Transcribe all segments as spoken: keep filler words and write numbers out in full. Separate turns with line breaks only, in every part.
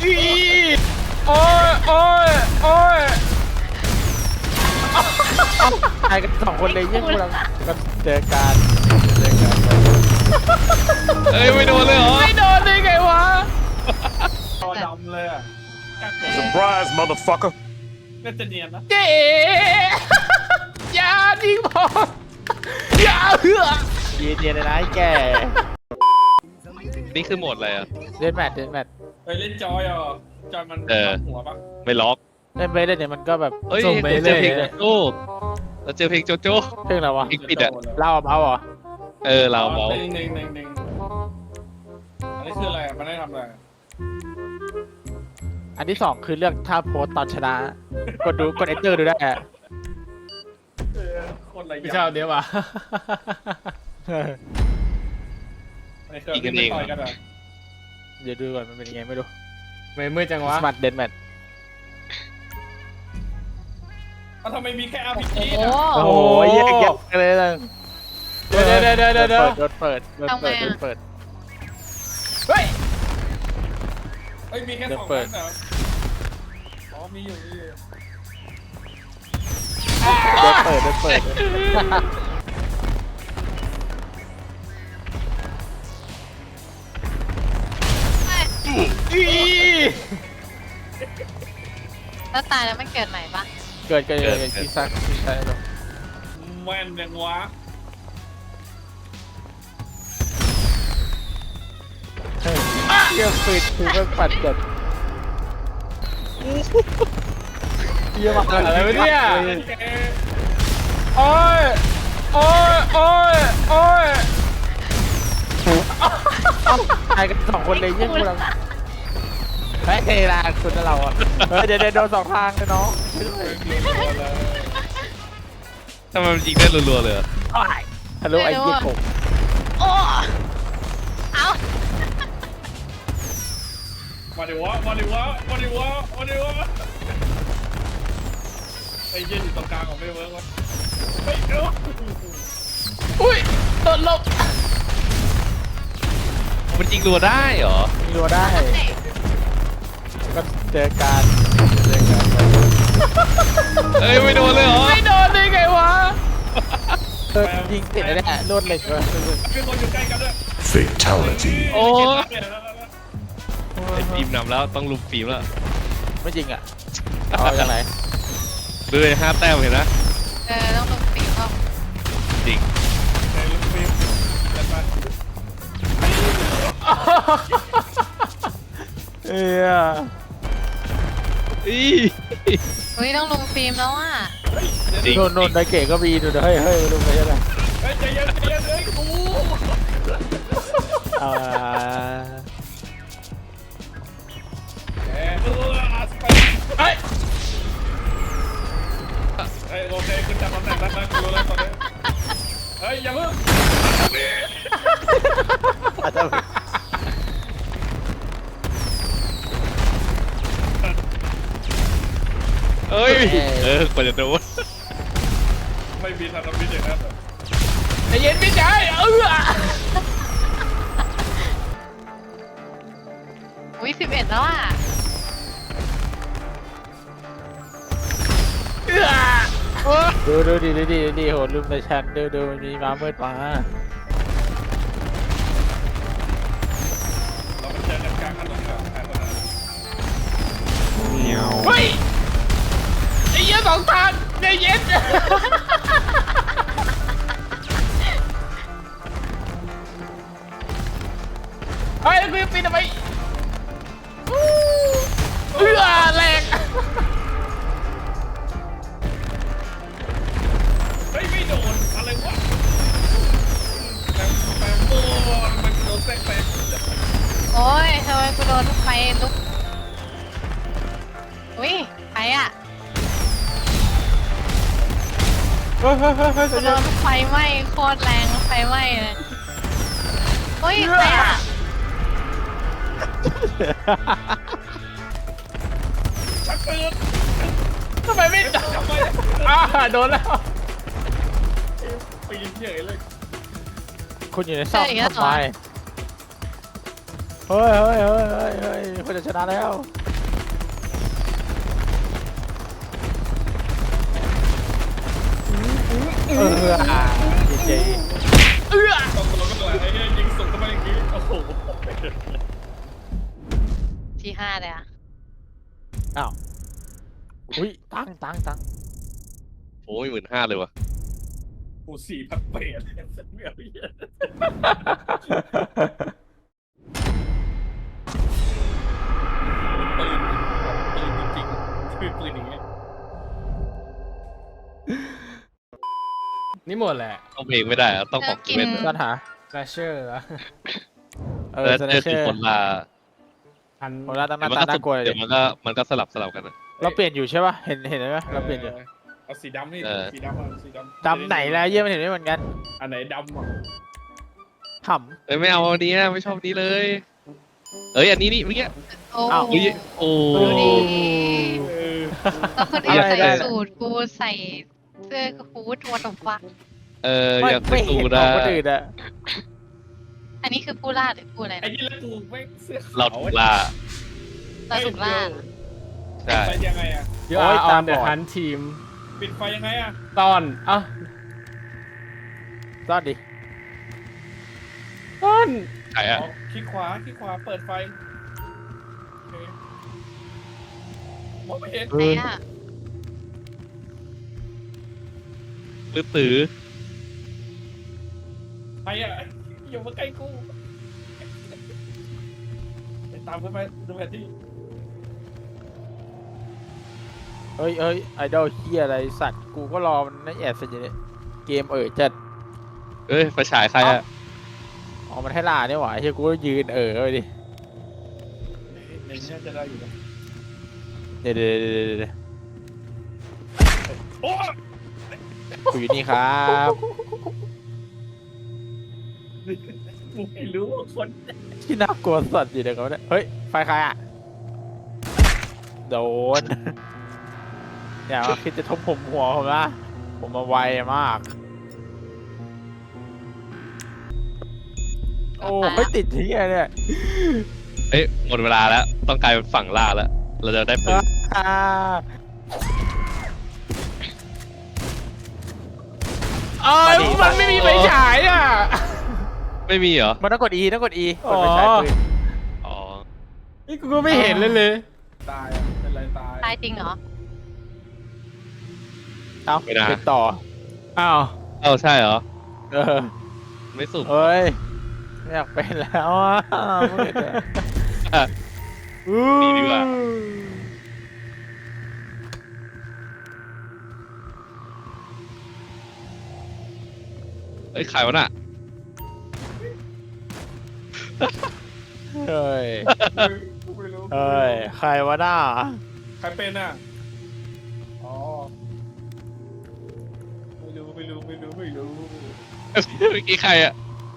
อีโอ้ยโอ้ยโอ้ยตายกันสองคนเลยยิ่งกูลังก็เจอการเจอการ
เอ้ยไม่โดนเลยเหรอ
ไม่โดนได้ไงวะ
จอดำเลยอ่ะ
Surprise, motherfucker!
น่าจะเนียนนะ
เจ๊อย่าทิ้งผมอย่าเหือเย็นเย็นเลยนะไอ้แก
นี่คือโหมดอะไรอ่ะ
เล่นแมทเล่นแมท
ไปเล่นจอยอ่ะจอยมัน
เออ
หัวปะ
ไม่ล็อก
เล่นไปเล่นเนี่ยมันก็แบบ
เอ้ย
ส่งไป
เราเจ
เรื่
อ
อย
เพลงโจโจ้เราเจอเพลงโจโจ้
เพลงอะไรวะ
เพลงปิดอ่ะ
เล่าเอาเหรอ
เออเราเมา
หนึ่งหนึ่งหนึ่งหนึ่งอันนี้คืออะไรมันได้ทำอะไร
อันที่สองคือเรื่องท่าโพสตอนชนะกดดูกดเอนเตอร์ดูได้อะ
เออคนอะไร
ไม่ชอบเดี๋ยวว่ะ
ไม่เคยไม่ต่อยกันอ่ะ
เดี๋ยวดูก่อนมันเป็นยังไงไม่รู้
ไม่มืดจังวะ
สมัตเดนแมท
มันทำไมมีแค่อาร์พีจี
โอ้
อ่ะ
โอ้โหแยกแยกเลยเลย
เดี๋ยวเดี๋ยวเดี๋ยวเดี๋ยวเดี๋ยว
โดนเปิดโดนเปิดโดนเปิด
เฮ้ย
เอ้ยมีแค่สองนัดเหรออ๋อมีอยู่มีอยู่
โดนเปิดโดนเปิด
แล้วตายแล้วมันเกิดใหม่ปะ
เกิดเกิดเกิดซีซักซีซัก
แม่นยังวะ
เยี่ยมปิดคือมันปัดเกิดเยี่ยมมาก
อะไรวะเนี่ย
แก
โอ้ยโอ้ยโอ้ยโอ้ยตายกันสองคนเลยยิ่งกูลังเฮ้ยเฮลาคุณเราอ่ะเฮ้ยเดี๋ยวเดี๋ยวโดนสองทางเลยน้อง
ทำไมมันยิงได้รัวๆเลยอะ
ฮัลโหลไอ้เหี้ยกบ
โอ้เอา
มาดิวะมาดิวะมาดิวะมาดิวะไอ้เย็นอยู่ตรงกลางของไม่เวิร์กวะเฮ้ยเดี๋ยว
อุ้ยโดนลบ
มันยิงรัวได้เหรอ
มีรัวได้ก็เจอการเจอการ
เอ้ยไม่โดนเลยเหรอ
ไม่โดนได้ไงวะเออยิงติดเลยเนี่ยโดนเหล็กเลย
มีคนอยู่ใกล้กันด้วย
Fatality.
โอ้
เห็นแล้ว
ไอ้ฟิล์มนำแล้วต้องลุมฟิล์มแล้ว
ไม่จริงอ่ะเอาจากไหน
ดูเลยห้าแต้มเห็นนะ
เออต้องลงปีกเข้า
จริง
เฮ้ยลูกฟิล์มเดินมา
เอ้ย
อี
เฮ้ยต้องลงฟิล์มแล้วอ่ะ
จริง
โดนโดนไดเก๋ก็มีดูเฮ้ยเฮ้ยดูไปยังไง
เฮ้ยใจเย็นใจเย็นเฮ้ยกู
อ่า
เอ้ยเออสไปเฮ้ยเฮ้ยโอเคคุณจำตำแหน่งได้ไหมคุณรู้แล้วตอนนี้เฮ้ยอย่าเพิ่ง
อาจจะ
เอ้ยเออกว่าจะโดน
ไม่มีทางทำพิษอย่างนั้น
ใจเย็นพี่ชายเออ
อุ้ยสิบเอ็ดแล้วอ่ะ
ดูดูดีดูดีดูดีโหลืมไปชันดูดูมันมีม้ามืดมา
เราไปเจอกันกลางถนนกันแต่ตอนนั้น
เฮ้ยไอ้เหี้ยสองทางใจเย็นเฮ้ยกูจะปีนทำไมเอื้อแรง
เฮ้ยไม่โดนอะไรวะแปมแปมโม่มันโดนแทรกแซง
โอ้ยทำไมกูโดนไฟลุกอุ้ยใครอ่ะ
เฮ้ยเฮ้ยเฮ้ยเฮ้ย
กูโดนไฟไหม้โคตรแรงไฟไหม้เลยเฮ้ยใครอ่ะ
ชักปืน
ทำไมไม่โดน
ทำไม
อ่าโดนแล้ว
ปีนเฉยเลย
คุณอยู่ในซ่อมทำไมเฮ้ยเฮ้ยเฮ้ยเฮ้ยเฮ้ยคนจะชนะแล้วเอออ่ะเจ๊
ต้องลงกันเลยไอ้เหี้ยยิงส่งเข้าไปอย่างงี้โอ้โห
ที่ห้าเลยอ่ะ
อ้าวอุ้ยตังตังตัง
โอ้ยหมื่นห้าเลยวะ
กูสี่พันเปรตไม่เอาเหี้ยปืนปืนจริงๆคือปืนอย่างเงี้ย
นี่หมดแหละ
ต้องเพลงไม่ได้อะต้องของเว้น
ซ่อนหา
แฟชเชอร์เหรอ
เออ
แล้ว
สแน
เจอ
เช
คือ
อร์
คนลา
พัน
คนละตั้งห
เดี๋
น้า
ยวมันก็
ตาน่ากลัวเลย
เดี๋ยวมันก็มันก็สลับสลับกันนะ
เราเปลี่ยนอยู่ใช่ป่ะเห็นเห็นไหมเราเปลี่ยนอยู่
เอาสีดำนี่
เออ
สีดำอ่ะสีดำ
ดำไหนแล้วเยี่ยมนเห็นไม่เหมือนกัน
อันไหนดำอ่ะ
ข
เอ้ยไม่เอาอันนี้นะไม่ชอบนี้เลย เอ้ยอันนี้นี่เมื่อกี้
โอ้
เฮ้ยโอ้
ดูดิ
เออ
แล้วคนอื่นใส่สูทกูใส่เสื้อฮูดวัตถุฟัก
เออ
ำไม่
อยาก
ไม่
ไป
เห็น
ดู
ข
ได้
องคนอื่นอะ
อันนี้คือผู้ล่าหรือผู้อะไร
ไอ้
นะ
ยี่แล้วกูไม่เสื้อขาว
เราถูกล่า
เราถูกล่า
ใช่
ไปยังไงอ่ะ
ยูอาร์ออนเดอะฮันทีม
ปิดไฟยังไงอ่ะ
ตอนอ่ะ
ซ่อนดิ
ต้น
ใครอะ
อ๋อคลิกขวาคลิกขวาเปิดไฟโอเคมองไม่เห็น
ไหนอ่ะ
ตื้อตื้อ
ใครอ่ะอยู่มาใกล้กูไปตามขึ้นไปดูแผนที่
เอ้ยเอ้ยไอดอลเฮียอะไรสัตว์กูก็รอมันนั่นแอบเสร็จอยู่เนี่ยเกมเออจัด
เอ้ยไฟฉายใครอะ
อ๋อมันให้ล่าเนี่ยหว่าเฮียกูก็ยืนเออไปดิ
ในนี้น่าจะได้อยู่นะ
เดี๋ยวเดี๋ยวเดี๋ยวเดี๋ยว
โอ้
กูอยู่นี่ครับ
กูไม่รู้ว่าคน
ที่น่ากลัวสัตว์อยู่เดี๋ยวเขาเนี่ยเฮ้ยไฟใครอะโดน อย่ามาคิดจะทุบผมหัวผมนะผมมาไวมาก โอ้ไม่ติดที่อะไรเนี่ย
เอ้ยหมดเวลาแล้วต้องกลายเป็นฝั่งล่าแล้วเราจะได้ปืน
อ่าเอ้ยมันไม่มีไฟฉายอ่ะ
ไม่มีเหรอ
มันต้องกด E ต้องกด E ก
อ๋
ด
อ
ไฟฉายปืน
อ๋อ
นี่กูก็ไม่เห็นเลยเลย
ตายอ่ะเป็นไรตาย
ตายจริงเหรอ
เอ้าเป็นต่อ
อ้าว
เอ้าใช่เหรอ
เออ
ไม่สุก
เฮ้ยไม่อยากเป็นแล้วอ่ะมืดอ่ะ
นี่ดีกว่า เอ้ยขายวะน่ะ
เฮ้ย
กูไม่รู้
เฮ้ยใครวะหน้า
ใครเป็นอ่ะอ๋อไม่รู้ไม่รู้ไม่รู้ไม่รู้
เมื่อกี้ใครอะ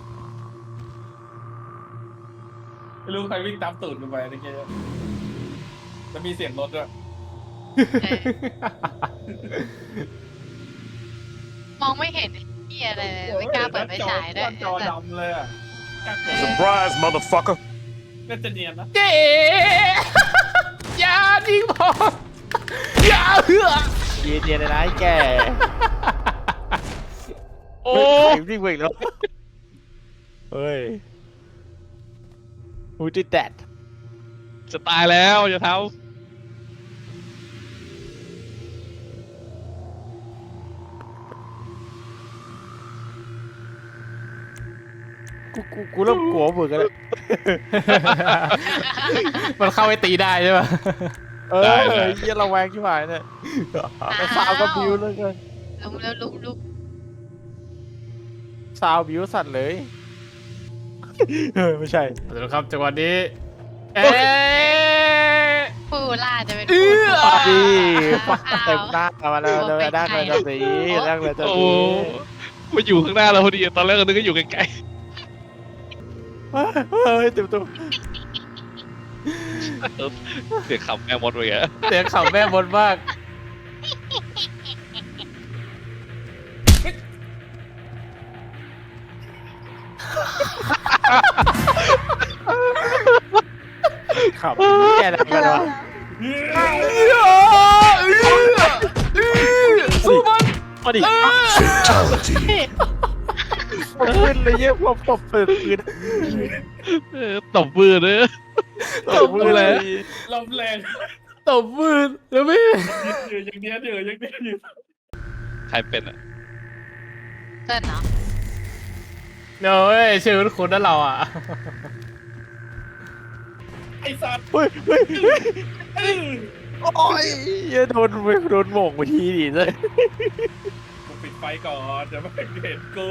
ไม่รู้ใครวิ่งตามตูดกูไปเมื่อกี้แล้วมีเสียงรถด้วย
เออมองไม่เห็นเหี้ยอะไรเลยไม่กล้าเปิดไฟฉายด้วย
จอดำเลยอ่ะ
Surprise, motherfucker.
น่าจะเนียนนะ
เจ๊อย่าจริงผมอย่าเหือ
ยืนเนียนเลยนะไอ้แก
โอ้
ใครวิ่งไปอีกแล้วเฮ้ย Who did that
จะตายแล้วอย่าเท้า
กูกูกูเริ่มกลัวมึงกันแล้ว
มันเข้าไปตีได้ใช่ปะ
เออเยี่ยระแวงที่หายเนี่ยแต่ซาวก็บิวเลยกัน
ลุมแล้วลุมลุม
ซาวบิวสัตว์เลยเออไม่ใช่
สวัสดีครับจังหวะนี้ เอ๊ะ
ผู้ล่าจะเป็น
เอื้
ผู้
อ
ปาดีปาเต็มหน้ามาแล้วเลยนั่งเลยจะสีนั่งเลยจะ
โอ้
สี
มาอยู่ข้างหน้าเราพอดีตอนแรกก็นึกว่าอยู่ไกล
เฮ้ยเต็มตัว
ๆเสียงขำแม่มดไปแก
เสียงขำแม่บนมาก
ขับแกอะไรกันวะ
สู้มัน
มาดิ
Fatality.
ผมขึ้นเลยเยี่ยพวกตบเปิดปืน
เออตบมือเลย
ตบมือเลย
ลมแรง
ตบมือแล้วไม่
ยืนอย่างเนี้ยเดี๋ยวอย่างเนี้ยอยู่
ใครเป็นอ่ะ
เต้นเหรอ
เดี๋ยวเว้ยชื่อคุณนั่นเราอ่ะ
ไอ้สัตว์
เฮ้ยเฮ้ยเฮ้ย
เอ้ย
โอ้ยเหี้ยโดนไปโดนโหม่งไปทีดิเลย
กูปิดไฟก่อนเดี๋ยวไม่เห็นกู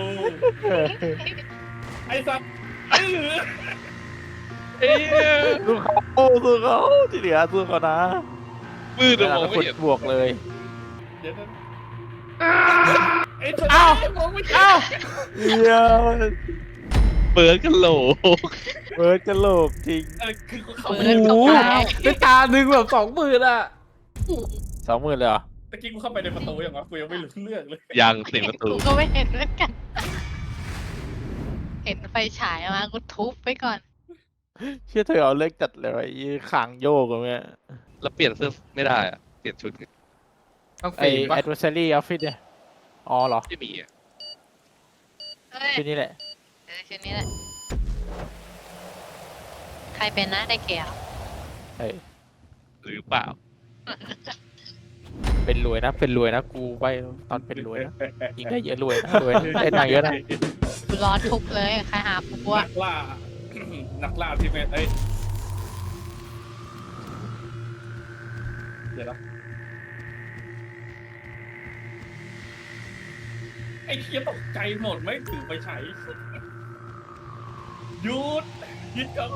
ไอ้สัตว์เอ้ย
เอ้ย
สู้เขาสู้เขาที่เหลือสู้เขานะ
มือ
เว
เดี๋ยว
ลาม
อง
ก
ไม่
ด
เห็น
บวกเลย
เดี๋ยวนั้นไอ้สัตว์
เอ้า
มองไม่เห็น
เอ้า
เหี้ย
เปิดกันโหล
เบิร์ดกระโหลกจริง
เออคือกูเข้า
เปิ
ไป
ด
โอ้
เข้า
โห
ไป
เป็นตาหนึ่งแบบสองหมื่นอ่ะ
สองหมื่นเลยเหรอ
ตะกี้กูเข้าไปในประตูยังวะกูยังไม่รู้เรื่องเลย
ยังเสียงประตู
กูก็ไม่เห็นเหมือนกัน เห็นไฟฉายมากูทุบไปก่อน
เชื่อเธอเอาเลิกจัดเลยไอ้ขางโยกกันเนี่ย
แล้วเปลี่ยนเสื้อไม่ได้อ่ะเปลี่ยนชุด
ต้อง
ไอ้
ฝีปะ
adversary outfit เนี่ยอ๋อเหรอ
ไม่มีอ่ะ
เฮ้ย
ชุดนี้แหละ
เออชุดนี้แหละ ใครเป็นนะได้เกี่ยว
เฮ้ย
หรือเปล่า
เป็นรวยนะ เป็นรวยนะ กูไปตอนเป็นรวยนะยิงได้เยอะรวยนะรวยนะได้ตังค์เยอะนะ
กูรอทุบเลย ใครหากู
นั
อะ
กล่า นักล่าที่เป็นเอ้ยเดี๋ยวนะไอ้เคียตกใจหมดไม่ถือไปใช้หยุดหยุดก่อน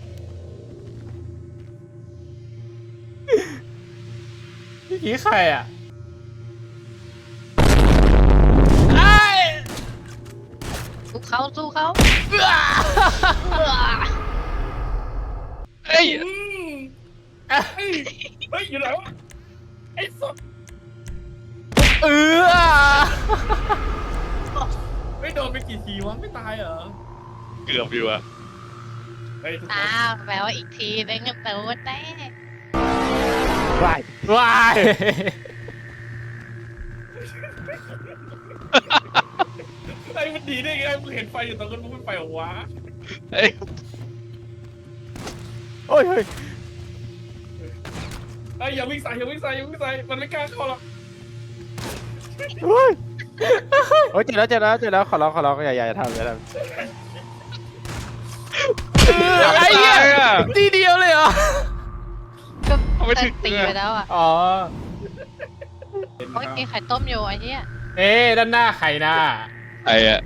พี่กี้ใครอ่ะ
สู้เขาสู้เขา
เอ้ย
อืมเฮ้ยเฮ้ยอยู่ไหนวะไอ้สัส
เออ
ไม่โดนไปกี่ทีวะไม่ตายเหรอ
เกือบอยู่อ่ะ
เฮ้ยทุกคน
อ้าวแปลว่าอีกทีนึงก็โดนแน่
วาย
ว้าย
ไอ้มันดีได้ไงมึงเห็นไฟอยู่ตรงนั้นมึงไม่ไปเหรอวะ
เอ้ย
โอ้ยเฮ้ย
ไอ้ยอย่าวิ่งใส่อย่าวิ่งใส่อย่าวิ่งใส่มันไม่กล้าเข้าหรอก
เฮ้ยโอ้ยเจอแล้วเจอแล้วเจอแล้วขอร้องขอร้องอย่าอย่าอย่าทำอย่าทำ
ไอ้เหี้ยทีเดียวเลยเหรอ
ก็
เอาไม่
เติ
ถึ
ม
ง
ตีไปแล้วอ่ะ
อ๋อ
โอ้ยกินไข่ต้มอยู่ไอ้เนี่ย
เอ๊ะด้านหน้าใครหน้า
ไอ้อ่ะ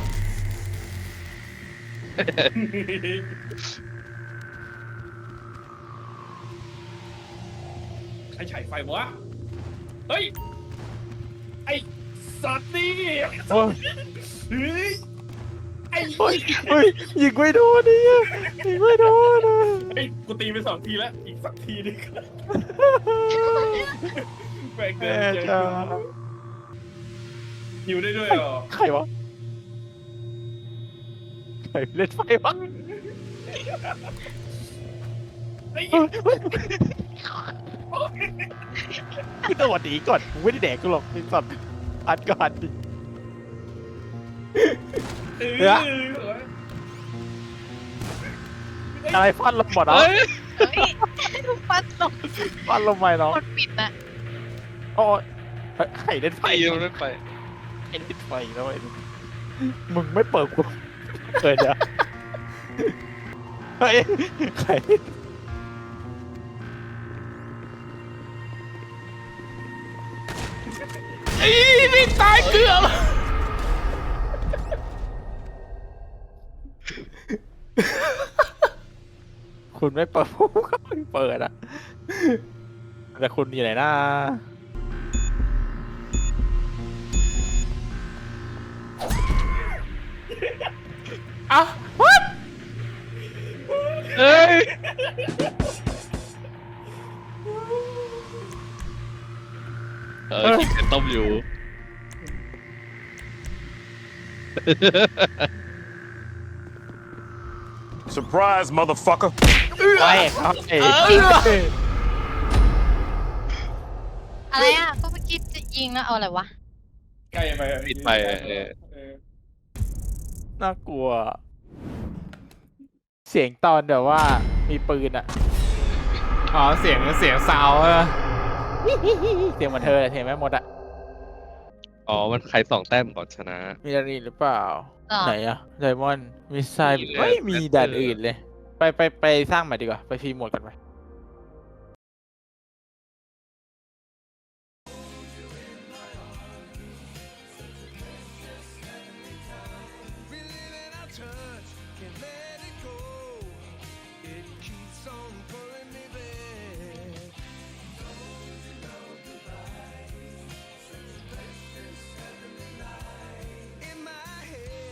ใครฉายไฟวะเฮ้ยไอ้สัตว์นี่
โอ้ย
เฮ้ยไอ้
โอ้ยเฮ้ยยิงไม่โดนนี่ยิงไม่โดนอะ
ไอ้กูตีไปสองทีแล้วอีกสักทีนึงแม่งเดิ
แม่
นเจ
จ้า
อหิวได้ด้วยเหรอ
ใครวะใครเล่นไฟวะ
ไอ้
เฮ้ยเฮ้ยคือสวัสดีก่อนกูไม่ได้แดกกูหรอกไอ้สัตว์อัดก่อนดิ
เอ
เฮ้ย
อ
อะไรฟันลงหมดอ่ะ
เอ้ย
เฮ้ยฟัดลง
ฟันลงไปเนาะ
คนปิดน่ะ
โอ้ยเฮ้ยใครเล่นไฟ
ไปยังไม่ไป
ไอ้เล่นไฟแล้วไอ้มึงไม่เปิดกูเกิดอะเฮ้ยใคร
อีนี่ตายเกือบ
คุณไม่เปิดผมก็ไม่เปิดอ่ะแต่คุณอยู่ไหนนะ
เอ้า what
เอ้ย เออกินไข่ต้มอยู่
Zero. Surprise, motherfucker.
ไปครับเอ๋
อะไรอ่ะ ก็เมื่อกี้จะยิงแล้วเอาอะไรวะ
ใกล้ไปอะ
ปิดไปเออ
เออ
น่ากลัว เสียงตอนแบบว่ามีปืนอะ
อ๋อเสียงเสียงซาวด์อะ
เสียงเหมือนเธอเลยเห็นไหมหมดอะ
อ๋อมันใครสองแต้มก่อนชนะ
มีด่านอื่นหรือเปล่า
หรอ
ไหนอะไดมอนด์มิสไซล์
มีเลย
ไม่มี
แบตเตอร์
ด่านอื่นเลย ไปไปไปสร้างใหม่ดีกว่า ไปฟรีโหมดกันไป
Can't let it go. It keeps on